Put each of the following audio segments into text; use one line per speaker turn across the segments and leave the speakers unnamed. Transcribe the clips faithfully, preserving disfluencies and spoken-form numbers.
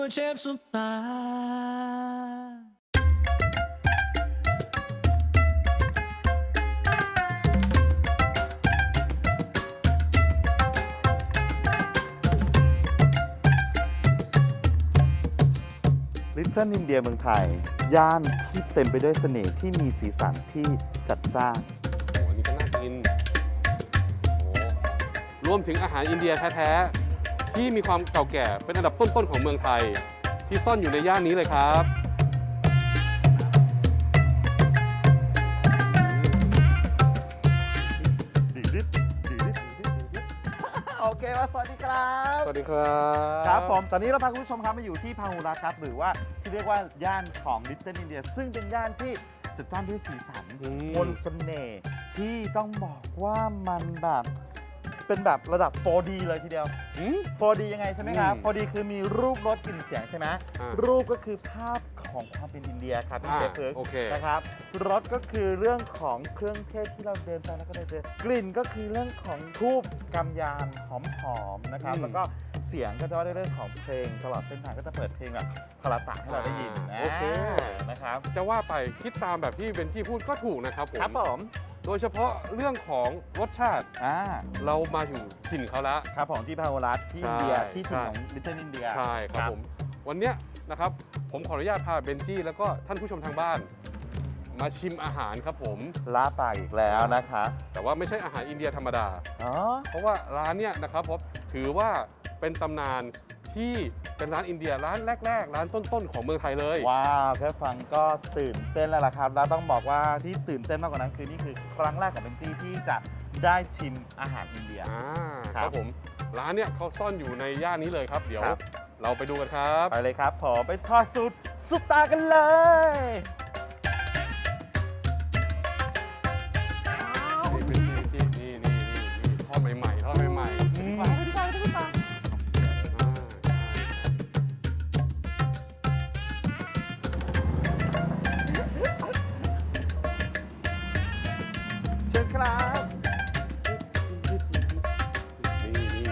เชฟซุปตา
ลิตเติ้ลอินเดียเมืองไทยย่านที่เต็มไปด้วยเสน่ห์ที่มีสีสันที่จัดจ้าน
โอ้โหอันนี้ก็น่ากินโอ้รวมถึงอาหารอินเดียแท้ๆที่มีความเก่าแก่เป็นอันดับต้นๆของเมืองไทยที่ซ่อนอยู่ในย่านนี้เลยครับ
ดีดิดีดิดีดิโอเคว่าสวัสดีครับ
สวัสดีครับ
ครับผมตอนนี้เราพาคุณผู้ชมครับมาอยู่ที่พาหุรัตน์ครับหรือว่าที่เรียกว่าย่านของลิตเติ้ลอินเดียซึ่งเป็นย่านที่จัดจ้านด้วยสีสันมนต์เสน่ห์ที่ต้องบอกว่ามันแบบเป็นแบบระดับ โฟร์ ดี เลยทีเดียว
อืม
โฟร์ ดี ยังไงใช่ไหมครับ
อืม
โฟร์ ดี คือมีรูปรสกลิ่นเสียงใช่ไหม
อ่า
รูปก็คือภาพของความเป็นอินเดียครับพี่
อ่า
เชฟเพิร์ก
โอเค
นะครับรสก็คือเรื่องของเครื่องเทศที่เราเดินไปแล้วก็ได้เจอกลิ่นก็คือเรื่องของทูบกำยานหอมๆนะครับ
อืม
แล้วก็เสียงก็จะว่าในเรื่องของเพลงตลอดเส้นทางก็จะเปิดเพลงแบบพลาตะให้เราได้ยิน
อ่าโอเค
นะครับ
จะว่าไปคิดตามแบบที่เบนจี้พูดก็ถูกนะครับผม
ครับผม
โดยเฉพาะเรื่องของรสชาติ
อ่า
เรามาถึงถิ่นเขาแล้ว
ครับผมที่พาหุรัตน์ที่อินเดีย
ใช่
ที่ถิ่นของลิตเติ้ลอินเดีย
ใช่ครับผม วันเนี้ยนะครับผมขออนุญาตพาเบนจี้แล้วก็ท่านผู้ชมทางบ้าน มาชิมอาหารครับผม
ล้าปากอีกแล้วนะคะ
แต่ว่าไม่ใช่อาหารอินเดียธรรมดา
อ๋อ
เพราะว่าร้านเนี้ยนะครับผมถือว่าเป็นตำนานที่เป็นร้านอินเดียร้านแรก ๆ ร้านต้นๆของเมืองไทยเลย
ว้าวแค่ฟังก็ตื่นเต้นแล้วล่ะครับแล้วต้องบอกว่าที่ตื่นเต้นมากกว่านั้นคือนี่คือครั้งแรกของเบนจี้ที่จะได้ชิมอาหารอินเดีย
อ่า
ค
ค
รั
รับ บผมร้านเนี้ยเขาซ่อนอยู่ในย่านนี้เลยครับ เดี๋ยว
ครับ
เราไปดูกันครับ
ไปเลยครับผมไปทอดสูตรซุปตากันเลย
นี่เป็นจี้จี้นี่นี่นี่นี่ทอดใหม่ๆทอดใหม่ๆ
อืม
อ่า
เชิญครับ
นี่นี่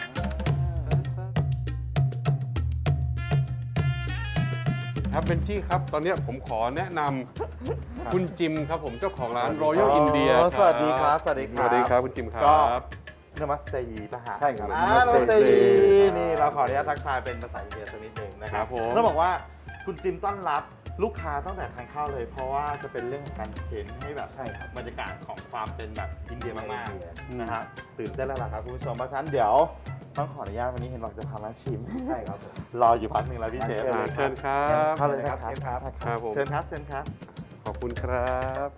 ครับเบนจี้ครับ ตอนเนี้ยผมขอแนะนำคุณจิมครับผมเจ้าของร้าน Royal India
อ๋อ
ครับ
สวัสดีครับสวัสดีครับ
สวัสดีครับคุณจิมค
ก็
รับ
นมัสเตยีป่ะฮะ
ใช่ครับ
อ่านมัสเตยี
Namaste
นี่เราขออนุญาตทักทายเป็นภาษาอินเดียสักนิดหนึงนะค
ค
รั
รั
บบ
ผม
ต้องบอกว่าคุณจิมต้อนรับลูกค้าตั้งแต่ทางเข้าเลย เพราะว่าจะเป็นเรื่องของการเข็นให้แบบ
ใช่ครับ
บรรยากาศของความเป็นแบบอินเดียมาก
อินเดีย
ๆนะฮะตื่นเต้นแล้วล่ะครับคุณผู้ชมเพราะฉะนั้นเดี๋ยวต้องขออนุญาตวันนี้เห็นบอกจะพามาชิม
ใช่ครับผม
รออยู่พักหนึ่งแล้วพี่เชฟ
อ่าเชิญครับ
เข้าเลยนะครับ
เชิญครับ
ครับผม
เชิญครับเชิญครับ
ขอบคุณครับ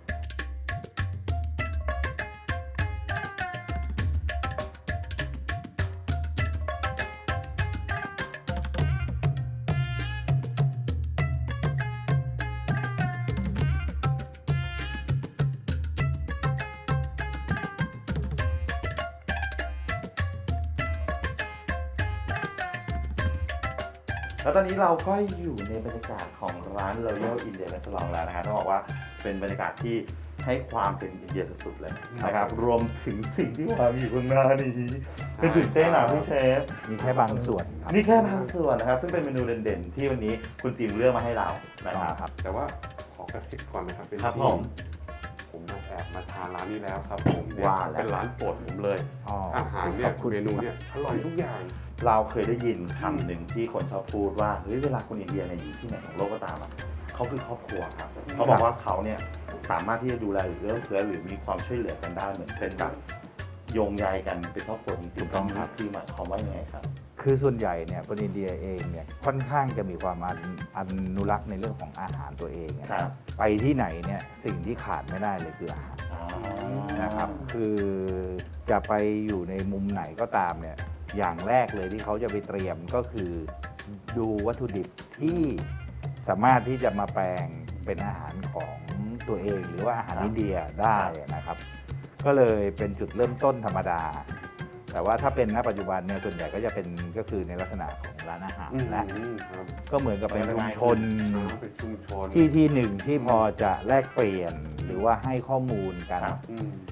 แล้วตอนนี้เราก็อยู่ในบรรยากาศของร้าน Royal India Restaurant แล้วนะฮะต้องบอกว่าเป็นบรรยากาศที่ให้ความเป็นอินเดียสุดๆเลยนะครับรวมถึงสิ่งที่วางอยู่ข้างหน้านี้เป็นตื่นเต้นอ่ะพี่เชฟ
มีแค่บางส่วนครับ
นี่แค่บางส่วนนะครับซึ่งเป็นเมนูเด่นๆ ที่วันนี้คุณจิมเลือกมาให้เรานะครับ
ครับ
แต่ว่าขอกระซิบก่อนนะครับเป็น
ครับ
ที่
ผม
ผมมาแอบมาทานร้านนี้แล้วครับผมเนี่ย
ว่าแล้ว
เป็นร้านโปรดผมเลย
อ๋อ
อาหารเนี่ย
ขอบคุณ
เมนูเนี่ยอร่อยทุกอย่าง
เราเคยได้ยินคำหนึ่งที่คนชอบพูดว่าเฮ้ยเวลาคนอินเดียเนี่ยอยู่ที่ไหนของโลกก็ตามอ่ะเขาคือครอบครัวครับเขาบอกว่าเขาเนี่ยสามารถที่จะดูแลหรือเอื้อเฟื้อหรือมีความช่วยเหลือกันได้เหมือนเป็นแบบโยงใยกันเป็นครอบครัวจริงๆ
ถูกต้องครับ
คือหมายความว่ายังไงครับ
คือส่วนใหญ่เนี่ยคนอินเดียเองเนี่ยค่อนข้างจะมีความอนุอนุรักษ์ในเรื่องของอาหารตัวเองนะค
ครั
รับบ ไปที่ไหนเนี่ยสิ่งที่ขาดไม่ได้เลยคืออาหาร
อ๋อ
นะครับ คือจะไปอยู่ในมุมไหนก็ตามเนี่ยอย่างแรกเลยที่เขาจะไปเตรียมก็คือดูวัตถุดิบที่สามารถที่จะมาแปลงเป็นอาหารของตัวเอง หรือว่าอาหารอินเดียได้นะครับ ก็เลยเป็นจุดเริ่มต้นธรรมดา แต่ว่าถ้าเป็นณปัจจุบันเนี่ยส่วนใหญ่ก็จะเป็นก็คือในลักษณะของร้านอาหาร
อืม
และ
ครับ
ก็เหมือนกับเป็นชุมชน
อ่าเป็นชุมชน
ที่ที่หนึ่งที่พอจะแลกเปลี่ยนหรือว่าให้ข้อมูลกัน
ครับ
อืม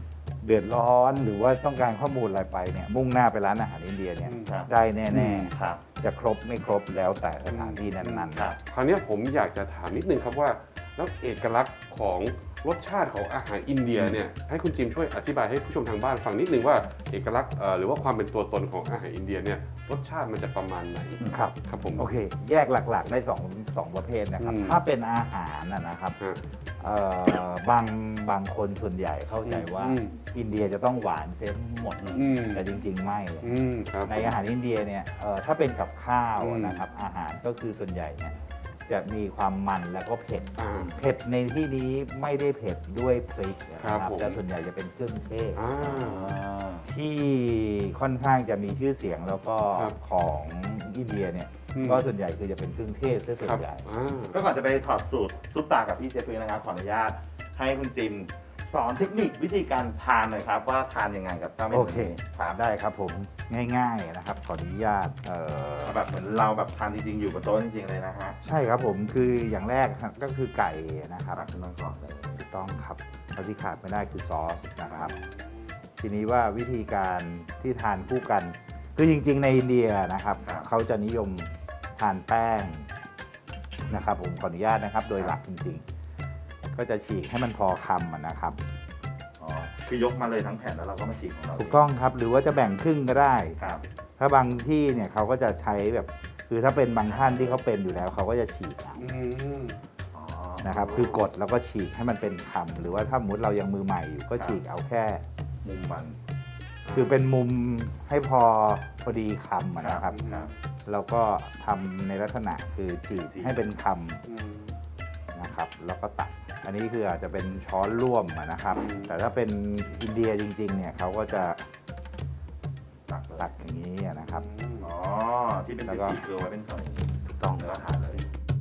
เดือดร้อนหรือว่าต้องการข้อมูลอะไรไปเนี่ยมุ่งหน้าไปร้านอาหารอินเดียเนี่ย
อืม
ครับ
ได้แน่
ครับ
ๆ จะครบไม่ครบแล้วแต่สถานที่นั้นๆ
ครับ
คราวนี้ผมอยากจะถามนิดนึงครับว่าแล้วเอกลักษณ์ของรสชาติของอาหารอินเดียเนี่ยให้คุณจิมช่วยอธิบายให้ผู้ชมทางบ้านฟังนิดนึงว่าเอกลักษณ์เอ่อหรือว่าความเป็นตัวตนของอาหารอินเดียเนี่ยรสชาติมันจะประมาณไหน
ครับ
ครับผม
โอเค แยกหลักๆได้สองสองประเภทนะครับ
อืม
ถ้าเป็นอาหารนะนะครับ
ฮะ
เอ่อบางบางคนส่วนใหญ่เข้าใจว่า
อืม
อินเดียจะต้องหวานเสียหมด
อืม
แต่จริง ๆ ไม่เลย
อืมครับ
ในอาหารอินเดียเนี่ยเอ่อถ้าเป็นกับข้าว
อืม
นะครับอาหารก็คือส่วนใหญ่เนี่ยจะมีความมันแล้วก็เผ็ด
อ่า
เผ็ดในที่นี้ไม่ได้เผ็ดด้วยพริกนะค
ครั
รั
บบ ผม
แต่ส่วนใหญ่จะเป็นเครื่องเทศ
อ่า
ที่ค่อนข้างจะมีชื่อเสียงแล้วก็
ครับ
ของอินเดียเนี่ย
อืม
ก็ส่วนใหญ่คือจะเป็นเครื่องเทศซะส่ว
ครั
น
บ
ใหญ่
อ่า
ก็ก่อนจะไปถอดสูตรซุปตากับพี่เชฟพื้นนะครับขออนุญาตให้คุณจิมสอนเทคนิควิธีการทานหน่อยครับว่าทานยังไงกับเจ้าเมนู
โอเค
ครับ
ได้ครับผมง่ายๆนะครับขออนุญาตเอ่อ
เอาแบบเหมือนเราแบบทานจริงๆอยู่บนโต๊ะจริงๆเลยนะฮะ
ใช่ครับผมคืออย่างแรกครับก็คือไก่นะครับ
ตักขึ้นมาก่อนเลย
ถูกต้องครับแล้วที่ขาดไม่ได้คือซอสนะครับ ทีนี้ว่าวิธีการที่ทานคู่กัน คือจริงๆในอินเดียนะครับ
ครับ
เขาจะนิยมทานแป้งนะครับ ผมขออนุญาตนะครับ โดยหลักจริงๆ ก็จะฉีกให้มันพอคำอะนะครับ
อ๋อคือยกมาเลยทั้งแผ่นแล้วเราก็มาฉีกของเรา
ถูกต้องครับ หรือว่าจะแบ่งครึ่งก็ได้
ครับ
ถ้าบางที่เนี่ยเขาก็จะใช้แบบ คือถ้าเป็นบางท่านที่เขาเป็นอยู่แล้วเขาก็จะฉีกเอา
อืม
อ๋อ
นะครับ คือกดแล้วก็ฉีกให้มันเป็นคำหรือว่าถ้าสมมติเรายังมือใหม่อยู่ก็ฉีกเอาแค่
มุมมัน
คือเป็นมุมให้พอพอดีคำอะนะครับ
ครับ
แล้วก็ทำในลักษณะคือจีบ
จีบ
ให้เป็นค
อืม
ำนะครับ แล้วก็ตัก อันนี้คืออาจจะเป็นช้อนร่วมอะนะครับ
อืม
แต่ถ้าเป็นอินเดียจริงๆเนี่ยเขาก็จะ
ตักเลย
ตักอย่างนี้อะนะครับ
อืม
อ๋อที่เป็น
แล้วก็
สีๆคือไว้เป็นส่วนอย่างนี้
ถูกต้อง
แล้ว
ค
ก็
รับ
ทานเลย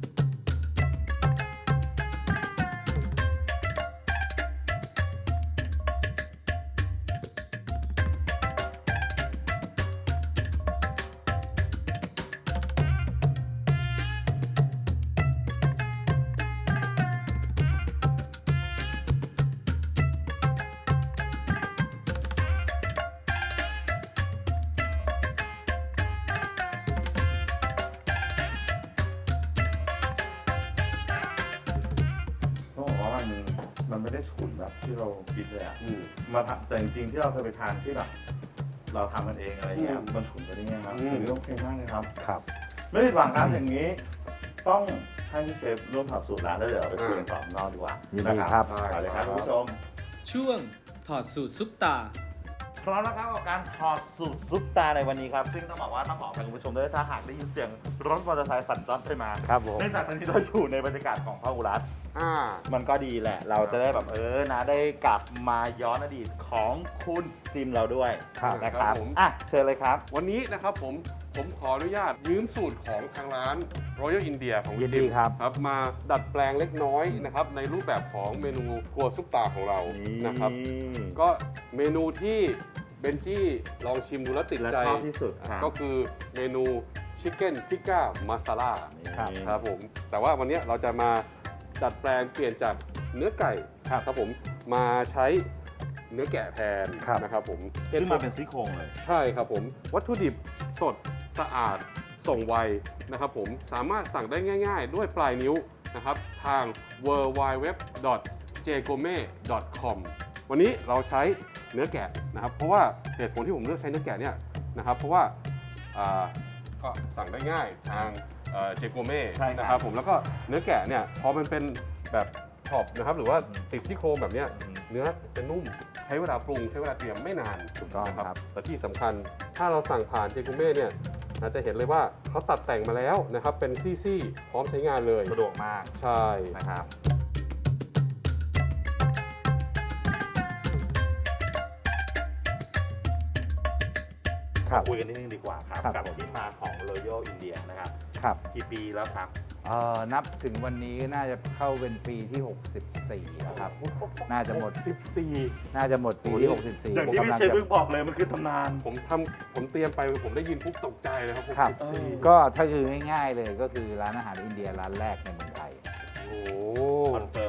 ต้องบอกว่ามันมันไม่ได้ฉุนแบบที่เราคิดเลยอ่ะ
อืม
มาทำแต่จริงๆที่เราเคยไปทานที่แบบเราทำมันเองอะไรเงี้ย
อืม
มันฉุนไปได้ไงครับ
อืม
ถือว่าโอเคมากเลยครับ
ครับ
ไม่ผิดหวังครับอย่างนี้ ต้องให้พี่เชฟร่วมถอดสูตรร้านแล้วเดี๋ยวเราไปคุยกันต่อข้างนอกดีกว่า
ยิ
ยิ
นดีครับ
เอาเลยครับคุณผู้ชม
ช่วงถอดสูตรซุปตา
พร้อมแล้วครับกับการถอดสูตรซุปตาในวันนี้ครับ ซึ่งต้องบอกว่าต้องขออภัยคุณผู้ชมด้วยถ้าหากได้ยินเสียงรถมอเตอร์ไซค์สั่นจ้อนไปมา
ครับผม
เนื่องจากตอนนี้เราอยู่ในบรรยากาศของพหุรัฐ
อ่า
มันก็ดีแหละ เราจะได้แบบเออนะได้กลับมาย้อนอดีตของคุณจิมเราด้วย
ครับ
นะค
ครั
รั
บบ ผม
อ่ะเชิญเลยครับ
วันนี้นะครับผมผมขออนุญาตยืมสูตรของทางร้าน Royal India ของ
ยินดีครับ
ครับมาดัดแปลงเล็กน้อยนะครับในรูปแบบของเมนูครัวซุปตาของเรานะครับ ก็เมนูที่เบนจี้ลองชิมดูแล้วติด
และ
ใจ
ชอบที่สุดครับ
ก็คือเมนูชิคเก้นทิก้ามาซาล่า
ครับ
ครับผมแต่ว่าวันนี้เราจะมาดัดแปลงเปลี่ยนจากเนื้อไก่
ครับ
ครับผมมาใช้เนื้อแกะแทน
ครับ
นะครับผม
ซึ่งมาเป็นซี่โครงเลย
ใช่ครับผม วัตถุดิบสดสะอาดส่งไวนะครับผมสามารถสั่งได้ง่ายๆ ด้วยปลายนิ้วนะครับทาง ดับเบิลยู ดับเบิลยู ดับเบิลยู ดอท เจ โกเม่ ดอท คอม วันนี้เราใช้เนื้อแกะนะครับเพราะว่าเหตุผลที่ผมเลือกใช้เนื้อแกะเนี่ยนะครับเพราะว่าอ่าก็สั่งได้ง่ายทางเจโกเม่
ใช่ครับ
นะครับผมแล้วก็เนื้อแกะเนี่ยพอมันเป็นแบบช็อปนะครับหรือว่าติดซี่โครงแบบเนี้ยเนื้อจะนุ่มใช้เวลาปรุงใช้เวลาเตรียมไม่นาน
ถูกต้อง
นะครับ แต่ที่สำคัญถ้าเราสั่งผ่านเจกุเม่เนี่ยเราจะเห็นเลยว่าเขาตัดแต่งมาแล้วนะครับเป็นซี่ๆพร้อมใช้งานเลย
สะดวกมาก
ใช่
นะครับ
ครับ
คุยกันนิดนึงดีกว่าครับ
ครับ
กับที่มาของ Royal India นะครับ
ครับ
กี่ปีแล้วครับ
เอ่อนับถึงวันนี้น่าจะเข้าเป็นปีที่ หกสิบสี่แล้วครับ น่าจะหมด
สิบสี่
น่าจะหมดปีที่ หกสิบสี่
อย่าง
ผม
ที่พี่
กำลัง
เชฟ
จะ
เพิ่งบอกเลยมันคือตำนาน
ผมทำผมเตรียมไปผมได้ยินปุ๊บตกใจเลยครับ
ครับ
หกสิบสี่
ก็ถ้าคือง่ายๆเลยก็คือร้านอาหารอินเดียร้านแรกในเมืองไทย
โอ้
คอนเฟิร์มเลย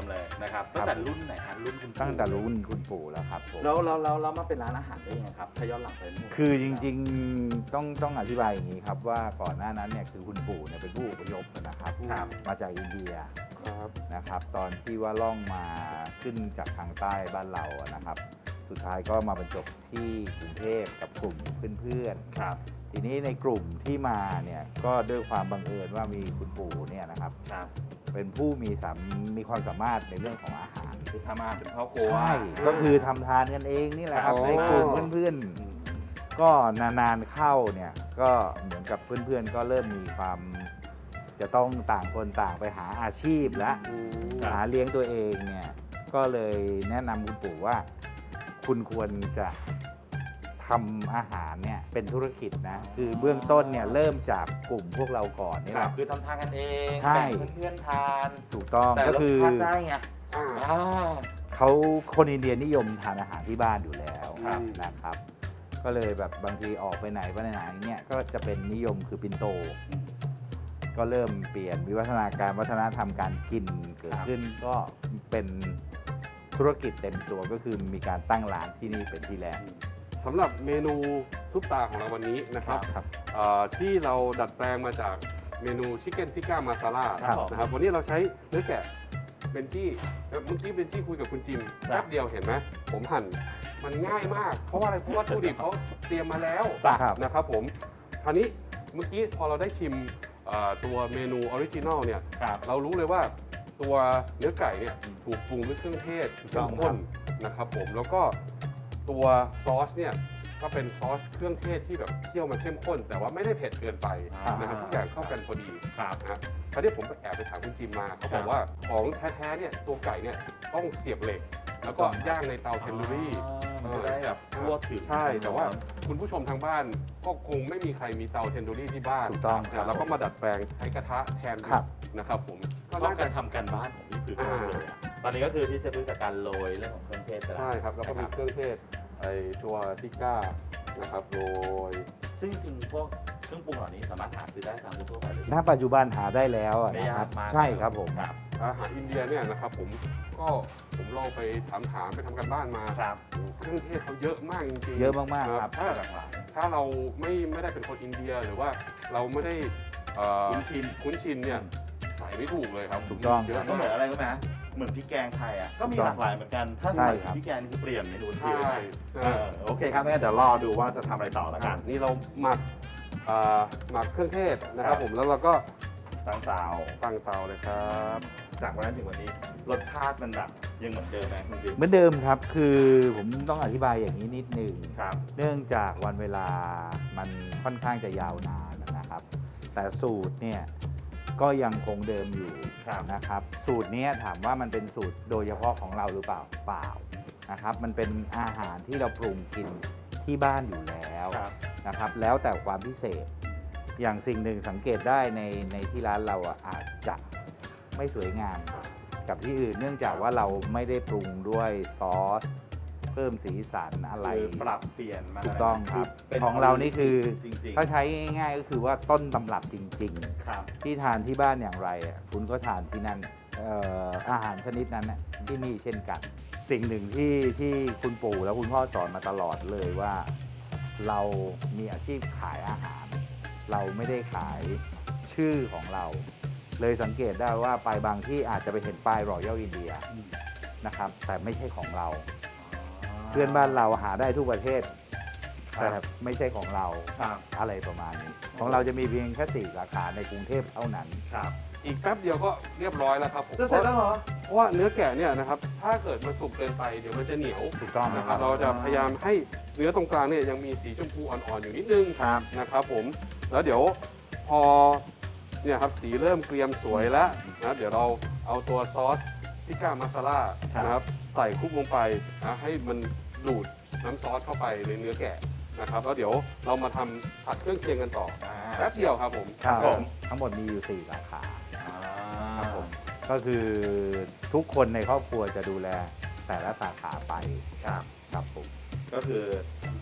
นะครับตั้งแต่รุ่นไหนฮะรุ่นคุณปู่
ตั้งแต่รุ่นคุณปู่แล้วครับผม
แล้วแล้วแล้วแล้วมาเป็นร้านอาหารได้ยังไงครับถ้าย้อนหลังไปนู่น
คือจริงๆต้องต้องอธิบายอย่างนี้ครับว่าก่อนหน้านั้นเนี่ยคือคุณปู่เนี่ยเป็นผู้อพยพนะครับ
ครับ
มาจากอินเดีย
ครับ
นะครับ ตอนที่ว่าล่องมาขึ้นจากทางใต้บ้านเราอะนะครับ สุดท้ายก็มาบรรจบที่กรุงเทพกับกลุ่มเพื่อนๆ
ครับ
ทีนี้ในกลุ่มที่มาเนี่ยก็ด้วยความบังเอิญว่ามีคุณปู่เนี่ยนะครับ
ครับ
เป็นผู้มีสามมีความสามารถในเรื่องของอาหาร
คือทำอาหารเป็นครอบครัว
ใช่ก็คือทำทานกันเองนี่แหละครับ
อ๋อ
ในกลุ่มเพื่อนๆ ก็นานๆเข้าเนี่ยก็เหมือนกับเพื่อนๆ ก็เริ่มมีความ จะต้องต่างคนต่างไปหาอาชีพและ
อืม
หาเลี้ยงตัวเองเนี่ยก็เลยแนะนำคุณปู่ว่า คุณควรจะทำอาหารเนี่ยเป็นธุรกิจนะคือเบื้องต้นเนี่ยเริ่มจากกลุ่มพวกเราก่อนนี่
ค
แห
รับ
ละ
คือทำทานกันเอง
ใช่
แบ่งเพื่อนๆทาน
ถูกต้อง
แต่
ก็
รส
คือ
ชาติได้ไง
อ่า
อ่า
เขาคนอินเดียนิยมทานอาหารที่บ้านอยู่แล้ว
ครับ
นะครับ ก็เลยแบบบางทีออกไปไหนไปไหนเนี่ยก็จะเป็นนิยมคือปินโต ก็เริ่มเปลี่ยนวิวัฒนาการวัฒนธรรมการกินเกิดขึ้นก็เป็นธุรกิจเต็มตัวก็คือมีการตั้งร้านที่นี่เป็นที่แรก
สำหรับเมนูซุปตาของเราวันนี้นะครับ
ครับ
เอ่อที่เราดัดแปลงมาจากเมนูชิคเก้นทิก้ามาซาล่า
ครับ
นะครับวันนี้เราใช้เนื้อแกะเบนจี้เมื่อกี้เบนจี้คุยกับคุณจิมแป๊บเดียวเห็นไหมผมหั่นมันง่ายมาก เพราะว่าอะไรเพราะว่าวัตถุดิบเขาเตรียมมาแล้ว
ครับ
นะครับผมคราวนี้เมื่อกี้พอเราได้ชิมเอ่อตัวเมนูออริจินอลเนี่ย
ครับ
เรารู้เลยว่าตัวเนื้อไก่เนี่ยถูกปรุงด้วยเครื่องเทศ
ถูกต้
เข้
อง
มข้นนะครับผมแล้วก็ตัวซอสเนี่ยก็เป็นซอสเครื่องเทศที่แบบเคี่ยวมาเข้มข้น แต่ว่าไม่ได้เผ็ดเกินไปนะครับทุกอย่างเข้ากันพอดี
ครับ
นะฮะคราวนี้ผมไปแอบไปถามคุณจิมมาเขาบอกว่าของแท้ๆเนี่ยตัวไก่เนี่ยต้องเสียบเหล็ก แล้วก็ย่างในเตาเทนดูรี่
มันจะได้แบบทั่วถึง
ใช่ แต่ว่าคุณผู้ชมทางบ้านก็คงไม่มีใครมีเตาเทนดูรี่ที่บ้าน
ถูกต้องครับ
นะเราก็มาดัดแปลงใช้กระทะแทน
ครับ
นะครับผม
ก็เล่าการทำกันบ้านของพี่คือมากเลยอะตอนนี้ก็คือที่จะรู้จากการโรยเรื่องของเครื่องเทศไปแล้ว
ใช่ครับแล้วก็มีเครื่องเทศไอตัวทิก้านะครับโรย
ซึ่งจริงๆพวกเครื่องปรุงเหล่านี้สามารถหาซื้อได้ตามทั่วไปเลย
ณปัจจุบันหาได้แล้วอะ
ไม่
นะ
ยา
ครั
ก
บ
มาก
ใช่ครับผม
ครับ
อาหารอินเดียเนี่ยนะครับผมก็ผมลองไปถามถามๆไปทำกันบ้านมา
ครับ
เครื่องเทศเขาเยอะมากจริงๆ
เยอะมากๆครับ
ถ้า
หลากหลาย
ถ้าเราไม่ไม่ได้เป็นคนอินเดียหรือว่าเราไม่ได้เอ่อ
คุ้นชิน
คุ้นชินเนี่ยใส่ไม่ถูกเลยครับ
ถูกต้อง
เยอะ
ก็เหมื
มา
อก นอะไรรู้ไหมเหมือนพริกแกงไทยอ่ะก็มีหลากหลายเหมือนกัน ถ้า
ใช่
ใส่
ครับ
พริกแกงนี่คือเปลี่ยนเมนูทันที
ใช่
เลย
ใช่
เออโอเคครับงั้นเดี๋ยวรอดูว่าจะทำอะไรต่อแล้วกัน
นี่เราหมักเอ่อหมักเครื่องเทศนะครับ
ครับ
ผมแล้วเราก็
ตั้งเตา
ตั้งเตาเลยครับ
จากวันนั้นถึงวันนี้รสชาติมันแบบยังเหมือนเดิมไหมคุณจิ๊บ
เหมือนเดิมครับ คือผมต้องอธิบายอย่างนี้นิดหนึ่ง
ครับ
เนื่องจากวันเวลามันค่อนข้างจะยาวนานนะครับ แต่สูตรเนี่ยก็ยังคงเดิมอยู่
ครับ
นะครับ สูตรเนี้ยถามว่ามันเป็นสูตรโดยเฉพาะของเราหรือเปล่าเปล่านะครับ มันเป็นอาหารที่เราปรุงกินที่บ้านอยู่แล้ว
ครับ
นะครับ แล้วแต่ความพิเศษ อย่างสิ่งหนึ่งสังเกตได้ในในที่ร้านเราอ่ะอาจจะไม่สวยงามกับที่อื่น เนื่องจากว่าเราไม่ได้ปรุงด้วยซอส เพิ่มสีสันอะไร
คือปรับเปลี่ยนมา
ถูกต้องครับ
ป็น
ของเรานี่คือ
จริงๆ
ถ้าใช้ง่ายๆก็คือว่าต้นตำรับจริง
ครับ
ๆ ที่ทานที่บ้านอย่างไรอ่ะคุณก็ทานที่นั่นเอ่ออาหารชนิดนั้นน่ะที่นี่เช่นกัน สิ่งหนึ่งที่ที่คุณปู่และคุณพ่อสอนมาตลอดเลยว่า เรามีอาชีพขายอาหาร เราไม่ได้ขายชื่อของเรา เลยสังเกตได้ว่าไปบางที่อาจจะไปเห็นป้ายรอยัลอินเดียนะครับแต่ไม่ใช่ของเรา เพื่อนบ้านเราหาได้ทุกประเทศ แต่ไม่ใช่ของเรา
ครับ
อะไรประมาณนี้ ของเราจะมีเพียงแค่สี่สาขาในกรุงเทพเท่านั้น
ครับ
อีกแป๊บเดียวก็เรียบร้อยแล้วครับผม
จะเสร็จแล้วเหรอ
เพราะว่าเนื้อแกะเนี่ยนะครับถ้าเกิดมันสุกเกินไปเดี๋ยวมันจะเหนียว
ถูกต้อง
นะ
นะ
ค
ค
รั
รั
บบ เราจะพยายามให้เนื้อตรงกลางเนี่ยยังมีสีชมพูอ่อนๆอยู่นิดนึง
ครับ
นะครับผมแล้วเดี๋ยวพอเนี่ยครับสีเริ่มเกรียมสวยแล้วนะเดี๋ยวเราเอาตัวซอสพิก้ามาซาล่านะครับใส่คลุกลงไปนะให้มันดูดน้ำซอสเข้าไปในเนื้อแกะนะครับแล้วเดี๋ยวเรามาทำผัดเครื่องเคียงกันต่อแป๊บเดียวครับผม
ครับ
ผม
ทั้งหมดมีอยู่สี่สาขา
อ่า
ครับผม ก็คือทุกคนในครอบครัวจะดูแลแต่ละสาขาไป
ครับ
ครับผม
ก็คือท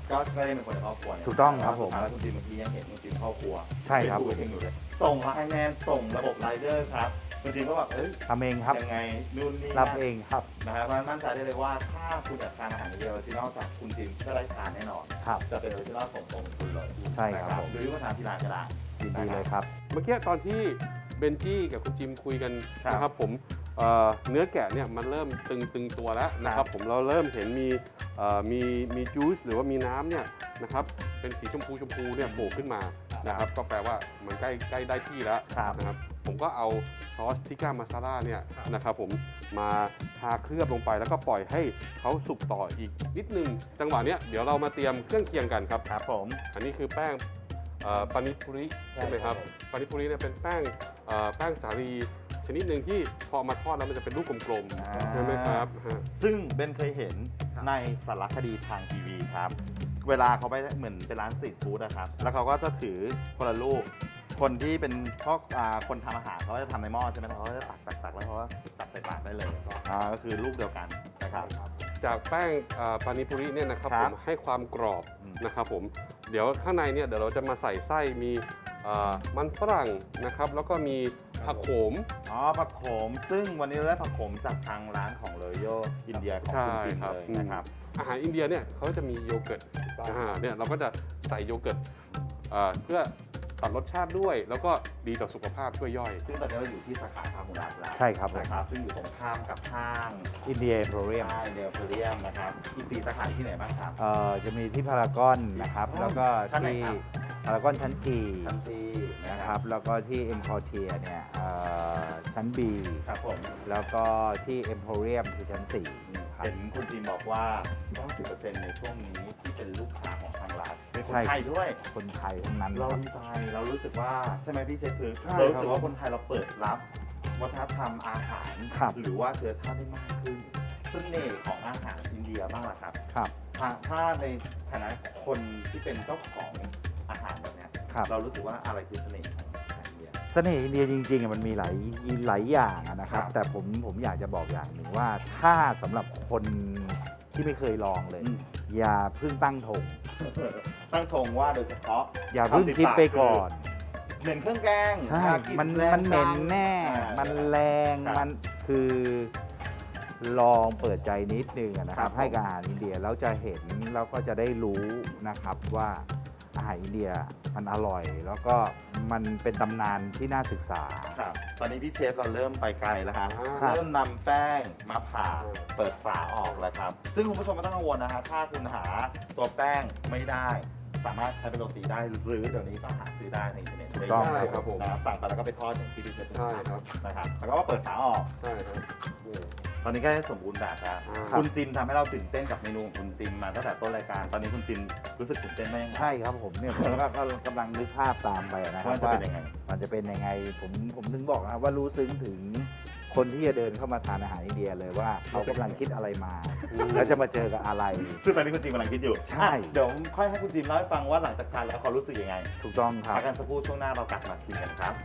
ก็ก็ได้เป็นคนในครอบครัวเนี่ย
ถูกต้องครับผม
แล้วคุณจิมเมื่อกี้ยังเห็นคุณจิมครอบครัว
ใช่ครับ
เป็นผู้เองอยู่เลยส่งไลน์แมนส่งระบบไรเดอร์ครับคุณจิมก็แบบเอ้ย
ทำเองครับ
ยังไงนู่นนี่
รับ
นั่น
เองครับ
นะครับเพราะฉะนั้นมั่นใจได้เลยว่าถ้าคุณอยากทานอาหารเดียวที่นอกจากคุณจิมก็ได้ทานแน่นอน
ครับ
จะเป็นออริจินอลส่งตรงคุณเลย
ใช่ครับ
นะ
ผม
หรือว่าทานที่ร้านก็ได้
ยินดีเลยครับ
เมื่อกี้ตอนที่เบนจี้กับคุณจิมคุยกัน
ครับ
นะครับผมเอ่อเนื้อแกะเนี่ยมันเริ่มตึงตึงตัวแล้วนะค
ครั
รับบ ผมเราเริ่มเห็นมีเอ่อมีมีจูสหรือว่ามีน้ำเนี่ยนะครับเป็นสีชมพูชมพูเนี่ยโผล่ขึ้นมานะครับก็แปลว่ามันใกล้ใกล้ได้ที่แล้ว
ครับ
นะครับผมก็เอาซอสทิก้ามาซาล่าเนี่ยนะครับผมมาทาเคลือบลงไปแล้วก็ปล่อยให้เขาสุกต่ออีกนิดนึงจังหวะเนี้ยเดี๋ยวเรามาเตรียมเครื่องเคียงกันครับ
ครับผม
อันนี้คือแป้งเอ่อปานิปุริใช่ไหมครับปานิปุริเนี่ยเป็นแป้งเอ่อแป้งสาลีชนิดหนึ่งที่พอเอามาทอดแล้วมันจะเป็นลูกกลม
อ่า
ๆใช่ไหมครับฮะ
ซึ่งเบนเคยเห็นในสารคดีทางทีวีครับ เวลาเขาไปเหมือนเป็นร้านสตรีทฟู้ดนะครับ แล้วเขาก็จะถือคนละลูก คนที่เป็นพ่ออ่าคนทำอาหารเขาก็จะทำในหม้อใช่ไหมเขาก็จะตักตักตักแล้วเขาก็ตักใส่ปากได้เลยอ่าก็คือลูกเดียวกันนะครับ
จากแป้งเอ่อปานิปุริเนี่ยนะครับ
ครั
ผ
บ
มให้ความกรอบ
อืม
นะครับผมเดี๋ยวข้างในเนี่ยเดี๋ยวเราจะมาใส่ไส้มีเอ่อมันฝรั่งนะครับแล้วก็มีผักโขม
อ๋อผักโขม ซึ่งวันนี้เราได้ผักโขมจากทางร้านของเลโยอินเดียของคุณจิม
ใช่ครับ
เลยนะครับ
อาหารอินเดียเนี่ยเขาจะมีโยเกิร์ตอ่าเนี่ยเราก็จะใส่โยเกิร์ตเอ่อเพื่อตัดรสชาติด้วย แล้วก็ดีต่อสุขภาพช่วยย่อย
ซึ่งตอนนี้เราอยู่ที่สาขาพาหุรัตแล้ว
ใช่ครับผม
นะครับ ซึ่งอยู่ตรงข้ามกับห้าง
อินเดียโปรเรียม
ห้างเดลเฟเรียมนะครับอีกสี่สาขาที่ไหนบ้างครับ
เอ่อจะมีที่พารากอนนะครับ แล้วก็
ชั้นไหน
ที่
ครับ
พารากอนชั้น G
ชั้นซีนะ
นะ
ค
ค
รั
รับ บ แล้วก็ที่เอ็มคอเทียเนี่ยเอ่อชั้น B
ครับผม
แล้วก็ที่เอ็มโพเรียมคือชั้นสี่ครับ
เห็นคุณจีนบอกว่า เก้าสิบเปอร์เซ็นต์ ในช่วงนี้ที่เป็นลูกค้าของทางร้านเป็นคน
ใช่
ไทยด้วย
คนไทยทั้งนั้น
เรา
ครับ
ดีใจเรารู้สึกว่าใช่ไหมพี่เชฟคือ
ใช่
เรารู้สึก
ครับ
ว่าคนไทยเราเปิดรับวัฒนธรรมอาหาร
ครับ
หรือว่าเชื้อชาติได้มากขึ้นเสน่ห์ของอาหารอินเดียบ้างล่ะครับ
ครับ
ถ้าถ้าในฐานะคนที่เป็นเจ้าของอาหารแบบเนี้ย
ครับ
เรารู้สึกว่าอะไรคือเสน่ห์ของอาหารอินเดีย
เสน่ห์อินเดียจริงๆอะมันมีหลายหลายอย่างอะนะครับ
ครับ
แต่ผมผมอยากจะบอกอย่างหนึ่งว่าถ้าสำหรับคนที่ไม่เคยลองเลย
อืม
อย่าเพิ่งตั้งธง
ตั้งธงว่าโดยเฉพาะ
อย่าเพิ่งคิดไปก่อน
เหม็นเครื่องแกง
ใช่
อ่ากลิ่
มัน
แรง
มันเหม็น
จัง
แน่
อ่า
มันแรง
ครับ
มันคือลองเปิดใจนิดนึงอะนะครั
ครับ บ
ให้กับอาหารอินเดียแล้วจะเห็นแล้วก็จะได้รู้นะครับว่าอาหารอินเดียมันอร่อย แล้วก็มันเป็นตำนานที่น่าศึกษา
ครับตอนนี้พี่เชฟเราเริ่มไปไกลแล้วครับ
ครับ
เริ่มนำแป้งมาผ่าเปิดฝาออกแล้วครับ ซึ่งคุณผู้ชมไม่ต้องกังวลนะฮะถ้าคุณหาตัวแป้งไม่ได้ สามารถใช้เป็นโรตีได้หรือเดี๋ยวนี้ก็หาซื้อได้ในอินเทอร์เน็ต
ถูกต้อง
ได้
ครับผม
นะสั่งไปแล้วก็ไปทอดอย่างที่พี่เชฟ
ใช่ครับ
นะครับแล้วก็เปิดฝาออก
ใช่ครับนี่
ตอนนี้ก็ได้สมบูรณ์แบบแล้ว
อ่า
คุณจินทำให้เราตื่นเต้นกับเมนูของคุณจินมาตั้งแต่ต้นรายการ ตอนนี้คุณจินรู้สึกตื่นเต้นไหมยังไง
ใช่ครับผมเนี่ยผมก็ก็กำลังนึกภาพตามไปนะครั
ว่า
บ
จะ
ว่า
เป็นยังไง
มันจะเป็นยังไงผมผมถึงบอกนะครับว่ารู้ซึ้งถึงคนที่จะเดินเข้ามาทานอาหารอินเดียเลยว่าเขากำลังคิดอะไรมา แล้วจะมาเจอกับอะไร
ซึ่งตอนนี้คุณจินกำลังคิดอยู่
ใช่
อ่ะเดี๋ยวค่อยให้คุณจินเล่าให้ฟังว่าหลังจากทานแล้วเขารู้สึกยังไง
ถูกต้องครับ
พักกันสักครู่ช่วงหน้าเรากลับมาชิมกันครับ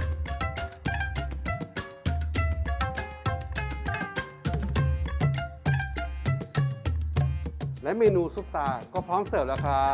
และเมนูซุปตาก็พร้อมเสิร์ฟแล้วครับ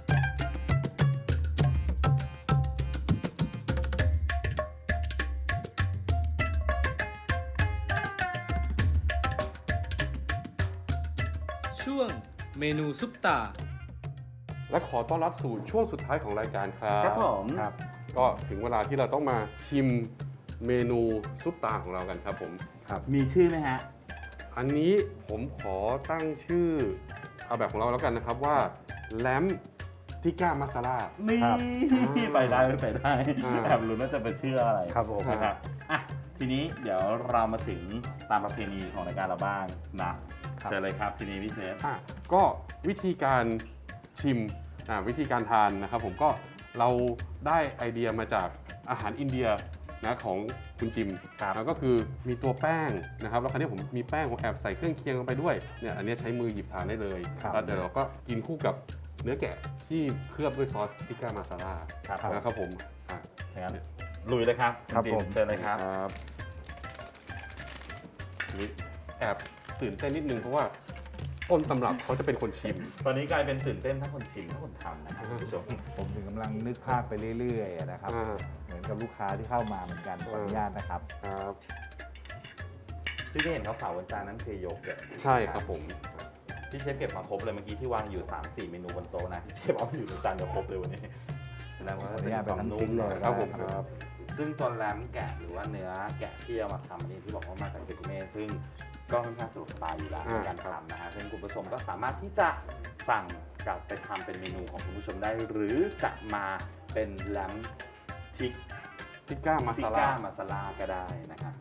ช่วงเมนูซุปตา
และขอต้อนรับสู่ช่วงสุดท้ายของรายการครับ
ครับผม
ครับ
ก็ถึงเวลาที่เราต้องมาชิมเมนูซุปตาของเรากันครับผม
มีชื่อไหมฮะ
อันนี้ผมขอตั้งชื่อเอาแบบของเราแล้วกันนะครับว่าแลมทิก้ามาซาลา
นี่
ครับ
ไปได้ไปได้
อ่า
แอบรู้น่าจะเป็นชื่ออะไร
ครับผม
นะครับอ่ะทีนี้เดี๋ยวเรามาถึงตามประเพณีของรายการเราบ้างนะเชิญเลยครับทีนี้พี่เชฟ
อ่ะก็วิธีการชิมอ่ะวิธีการทานนะครับผมก็เราได้ไอเดียมาจากอาหารอินเดียนะของคุณจิม
ครับ
แล้วก็คือมีตัวแป้งนะครับแล้วคราวนี้ผมมีแป้งผมแอบใส่เครื่องเคียงลงไปด้วยเนี่ยอันนี้ใช้มือหยิบทานได้เลย
ครับ
แล้วเดี๋ยวเราก็กินคู่กับเนื้อแกะที่เคลือบด้วยซอสทิก้ามาซาลา
ครับ
นะครับผมอ่ะ
งั้นลุยเลยครับ
ครับ
ณจิน
ผม
เชิญเลยครับ
ครับนี่แอบตื่นเต้นนิดนึงเพราะว่าต้นตำรับเขาจะเป็นคนชิม
ตอนนี้กลายเป็นตื่นเต้นทั้งคนชิมทั้งคนทำนะครับคุณผู้ชม
ผมถึงกำลังนึกภาพไปเรื่อยๆนะครับ
อ่า
เหมือนกับลูกค้าที่เข้ามาเหมือนกันขออนุญาตนะครับ
ครับ
ซึ่งที่เห็นขาวๆบนจานนั้นคือโยเกิร์ต
ใช่ครับผม
ที่เชฟเก็บมาครบเลยเมื่อกี้ที่วางอยู่ สามสี่ เมนูบนโต๊ะนะที่เชฟเอามาอยู่ในจานเดียวครบเลยวันนี้แสดงว่า
ขออนุญาตเป็นทั้งชิ้นเลย
ครับผม
ได้
ครับ
ซึ่งตัวแรมแกะหรือว่าเนื้อแกะที่เอามาทำอันนี้ที่บอกว่ามาจากเซกุเม่ซึ่งก็ค่อนข้างสะดวกสบายอยู่แล้วในการทำนะฮะซึ่งคุณผู้ชมก็สามารถที่จะสั่งกลับไปทำเป็นเมนูของคุณผู้ชมได้ หรือจะมาเป็นแรมทิก
ทิก้ามา
ทิ
ซา
ก้า
ลา
มาซาลาก็ได้นะครับ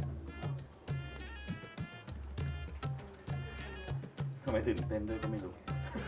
ทำไมตื่นเต้นด้วยก็ไม่รู้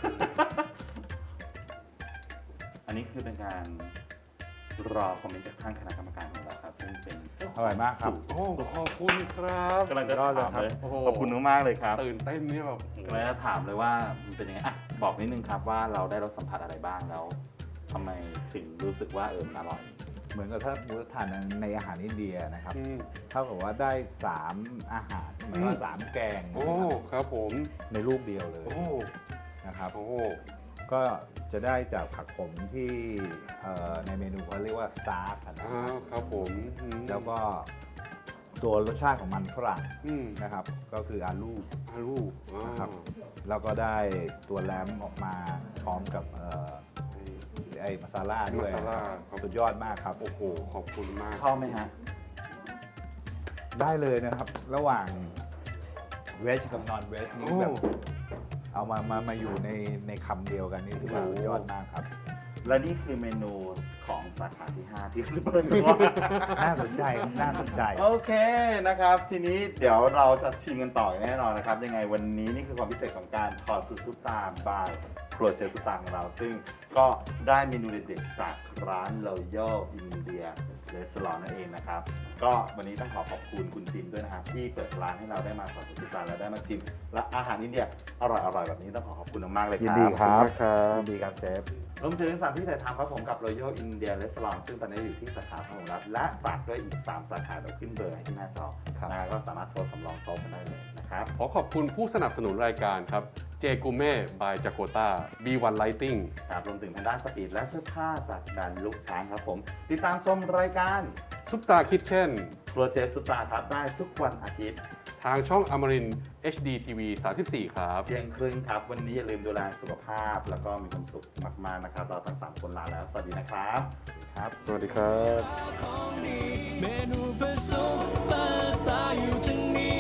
อันนี้คือเป็นการรอคอมเมนต์จากท่านคณะกรรมการของเราครับซึ่งเป็น
อร่อยมากครับ
โอ้ขอบคุณครับ
กำลังจะถามเลย
โอ้โห
ขอบคุณมากๆเลยครับ
ตื่นเต้นเนี่ยแบบ
กำลังจะถามเลยว่ามันเป็นยังไงอ่ะบอกนิดนึงครับว่าเราได้รสสัมผัสอะไรบ้างแล้วทำไมถึงรู้สึกว่าเออมันอร่อย
เหมือนกับถ้ามูทานในอาหารอินเดียนะครับ
อืม
เท่ากับว่าได้สามอาหารหมายว่าสามแกง
โอ้
นะครับ
ครับผม
ในรูปเดียวเลย
โอ้
นะครับ
โอ้
ก็จะได้จากผักขมที่เอ่อในเมนูเขาเรียกว่าซาร์กนะ
อ่า
ครับ
ครับผมอืม
แล้วก็ตัวรสชาติของมันฝรั่ง
อืม
นะครับ ก็คืออาลู
อาลูอ่า
นะครับ แล้วก็ได้ตัวแรมออกมาพร้อมกับเอ่อไอ้มาซาล่าด้วย
มาซาล่า
ครับสุดยอดมากครับ
โอ้โหขอบคุณมาก
ชอบไหมฮะ
ได้เลยนะครับ ระหว่างเวจกับนอนเวจนี่
โอ้
แบบเอามามามาอยู่ในในคำเดียวกันนี่ถือว่าสุดยอดมากครับ
และนี่คือเมนูของสาขาที่ ห้า ที่เปิดตัว
น่าสนใจครับน่าสนใจ
โอเคนะครับ ทีนี้เดี๋ยวเราจะชิมกันต่อแน่นอนนะครับ ยังไงวันนี้นี่คือความพิเศษของการทอดซุปซุปตาบายครัวเชฟซุปตาของเรา ซึ่งก็ได้เมนูเด็ดๆจากร้าน Royal India Restaurant นั่นเองนะครับ ก็วันนี้ต้องขอขอบคุณคุณจิมด้วยนะครับ ที่เปิดร้านให้เราได้มาทอดซุปซุปตาและได้มาชิมและอาหารอินเดียอร่อยๆแบบนี้ต้องขอขอบคุณมากๆเลยครับ
ยินดีครับ
ครับ
ยินดีครับเชฟ
รวมถึงสถานที่ถ่ายทำครับผมกับ Royal India Restaurant ซึ่งตอนนี้อยู่ที่สาขาพหลรัฐและฝากด้วยอีก สาม สาขาเดี๋ยวขึ้นเบอร์ให้ที่หน้าจอ
ครับ
นะก็สามารถโทรสำรองโต๊ะกันได้เลยนะครับ
ขอขอบคุณผู้สนับสนุนรายการครับ เจกูเม่ by จากโกต้า บี วัน Lighting
ครับรวมถึงทางด้านสปีดและเสื้อผ้าจากแบรนด์ลูกช้างครับผม ติดตามชมรายการ
ซุปตาคิทเช่น
ครัวเชฟซุปตาครับได้ทุกวันอาทิตย์
ทางช่องอมริน เอช ดี ที วี สามสิบสี่ ครับ
เที่ยงครึ่งครับ วันนี้อย่าลืมดูแลสุขภาพ แล้วก็มีความสุขมากๆนะครับ เราทั้งสามคนลาแล้ว สวัสดีนะครับ
ครับ
สวัสดีครับ
เมนูเพื่อซุปเปอร์สตาร์อยู่ตรงนี้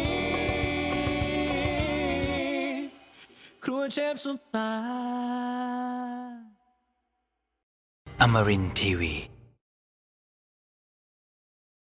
ครัวเชฟซุปตา
Amarin Tiwi.